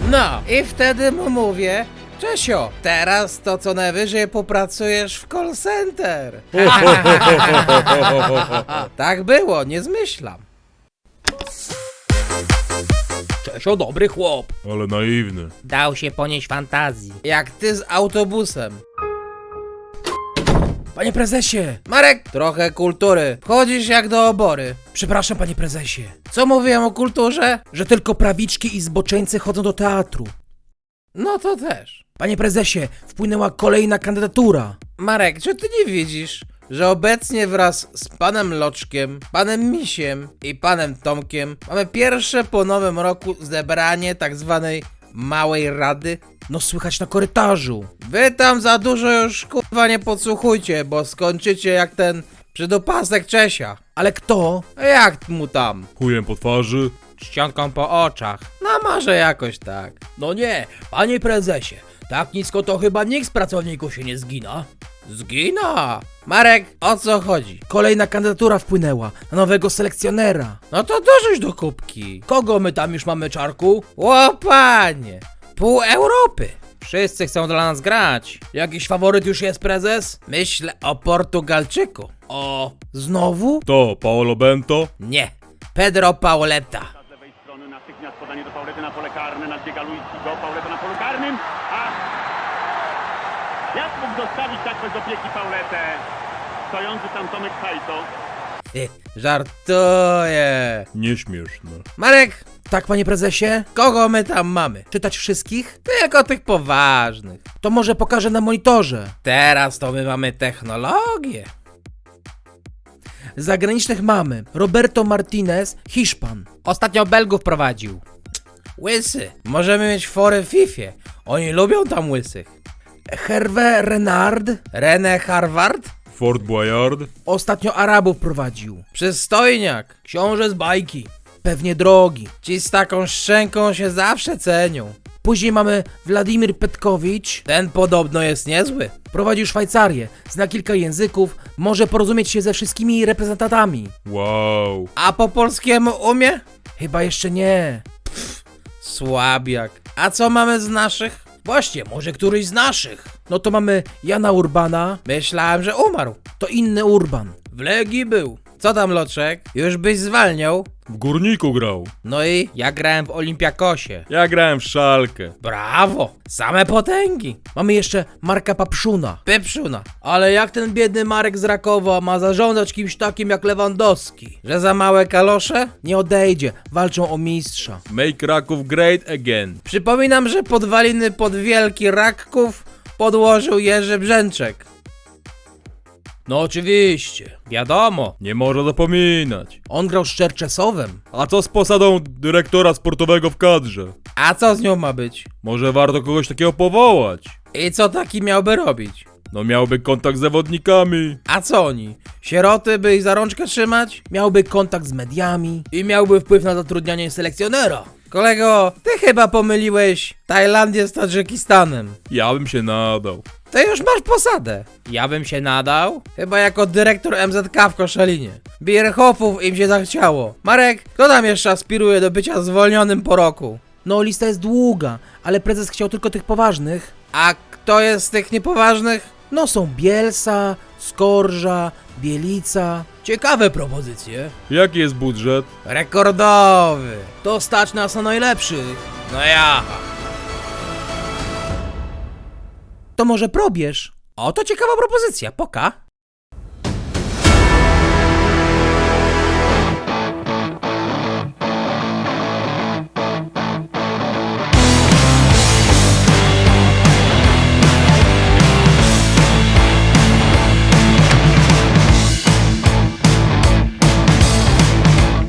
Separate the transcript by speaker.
Speaker 1: No i wtedy mu mówię: Czesio, teraz to co najwyżej popracujesz w call center. Tak było, nie zmyślam.
Speaker 2: Czesio dobry chłop.
Speaker 3: Ale naiwny.
Speaker 2: Dał się ponieść fantazji.
Speaker 1: Jak ty z autobusem.
Speaker 4: Panie prezesie!
Speaker 1: Marek, trochę kultury. Wchodzisz jak do obory.
Speaker 4: Przepraszam, panie prezesie,
Speaker 1: Co mówiłem o kulturze?
Speaker 4: że tylko prawiczki i zboczeńcy chodzą do teatru.
Speaker 1: No to też.
Speaker 4: Panie prezesie, wpłynęła kolejna kandydatura.
Speaker 1: Marek, czy ty nie widzisz, że obecnie wraz z panem Loczkiem, panem Misiem i panem Tomkiem mamy pierwsze po nowym roku zebranie tak zwanej Małej Rady?
Speaker 4: No słychać na korytarzu.
Speaker 1: Wy tam za dużo już kurwa nie podsłuchujcie, bo skończycie jak ten przydopasek Czesia.
Speaker 4: Ale kto?
Speaker 1: A jak mu tam?
Speaker 3: Chujem po twarzy.
Speaker 2: Czcionką po oczach.
Speaker 1: No może jakoś tak.
Speaker 4: No nie, panie prezesie, tak nisko to chyba nikt z pracowników się nie zgina.
Speaker 1: Zgina! Marek, o co chodzi?
Speaker 4: Kolejna kandydatura wpłynęła na nowego selekcjonera.
Speaker 1: No to dorzuć do kubki.
Speaker 4: Kogo my tam już mamy, Czarku?
Speaker 1: O panie! Pół Europy.
Speaker 2: Wszyscy chcą dla nas grać.
Speaker 4: Jakiś faworyt już jest, prezes?
Speaker 1: Myślę o Portugalczyku.
Speaker 4: O, znowu?
Speaker 3: To Paolo Bento.
Speaker 1: Nie, Pedro Pauleta.
Speaker 5: Z lewej strony natychmiast podanie do Paulety na pole karne, nadbiega Luizigo, Pauleta na polu karnym, a jak mógł zostawić tak bez opieki Pauletę? Stojący tam Tomek Hajto.
Speaker 1: Żartuję.
Speaker 3: Nieśmieszne.
Speaker 1: Marek,
Speaker 4: Tak, panie prezesie?
Speaker 1: kogo my tam mamy?
Speaker 4: Czytać wszystkich?
Speaker 1: Tylko tych poważnych.
Speaker 4: To może pokażę na monitorze.
Speaker 1: Teraz to my mamy technologię.
Speaker 4: Z zagranicznych mamy Roberto Martinez, Hiszpan.
Speaker 2: Ostatnio Belgów prowadził.
Speaker 1: Łysy. Możemy mieć fory w Fifie. Oni lubią tam łysych.
Speaker 4: Hervé Renard,
Speaker 1: René Harvard?
Speaker 3: Fort Boyard.
Speaker 4: ostatnio Arabów prowadził.
Speaker 1: Przystojniak.
Speaker 4: Książę z bajki. Pewnie drogi.
Speaker 1: Ci z taką szczęką się zawsze cenią.
Speaker 4: Później mamy Władimir Petkowicz.
Speaker 1: Ten podobno jest niezły.
Speaker 4: Prowadził Szwajcarię, zna kilka języków, może porozumieć się ze wszystkimi reprezentantami.
Speaker 3: Wow.
Speaker 1: A po polskiemu umie?
Speaker 4: Chyba jeszcze nie.
Speaker 1: Słabiak. A co mamy z naszych?
Speaker 4: Właśnie, może któryś z naszych. No to mamy Jana Urbana,
Speaker 1: Myślałem, że umarł.
Speaker 4: to inny Urban.
Speaker 1: W Legii był. Co tam, Loczek? Już byś zwalniał?
Speaker 3: W Górniku grał.
Speaker 1: No i?
Speaker 2: Ja grałem w Olimpiakosie.
Speaker 3: Ja grałem w Szalkę.
Speaker 1: Brawo! Same potęgi.
Speaker 4: Mamy jeszcze Marka Papszuna.
Speaker 1: Pyprzuna.
Speaker 4: Ale jak ten biedny Marek z Rakowa ma zarządzać kimś takim jak Lewandowski?
Speaker 1: Że za małe kalosze?
Speaker 4: Nie odejdzie, walczą o mistrza.
Speaker 3: Make Raków great again.
Speaker 1: Przypominam, że podwaliny pod Wielki Rakków podłożył Jerzy Brzęczek.
Speaker 4: No oczywiście.
Speaker 2: Wiadomo.
Speaker 3: Nie może zapominać.
Speaker 4: On grał z Czerczesowem.
Speaker 3: A co z posadą dyrektora sportowego w kadrze?
Speaker 1: A co z nią ma być?
Speaker 3: Może warto kogoś takiego powołać?
Speaker 1: I co taki miałby robić?
Speaker 3: No miałby kontakt z zawodnikami.
Speaker 1: A co oni? Sieroty by ich za rączkę trzymać?
Speaker 4: Miałby kontakt z mediami.
Speaker 1: I miałby wpływ na zatrudnianie selekcjonera. Kolego, ty chyba pomyliłeś Tajlandię z Tadżykistanem.
Speaker 3: Ja bym się nadał.
Speaker 1: Ty już masz posadę.
Speaker 2: Ja bym się nadał.
Speaker 1: Chyba jako dyrektor MZK w Koszalinie. Bierhofów im się zachciało. Marek, kto tam jeszcze aspiruje do bycia zwolnionym po roku?
Speaker 4: No lista jest długa, ale prezes chciał tylko tych poważnych.
Speaker 1: A kto jest z tych niepoważnych?
Speaker 4: No są Bielsa, Skorża, Bielica. Ciekawe propozycje.
Speaker 3: Jaki jest budżet?
Speaker 1: Rekordowy.
Speaker 4: To stać nas na najlepszych.
Speaker 1: No ja.
Speaker 4: To może probierz?
Speaker 1: Oto ciekawa propozycja, poka.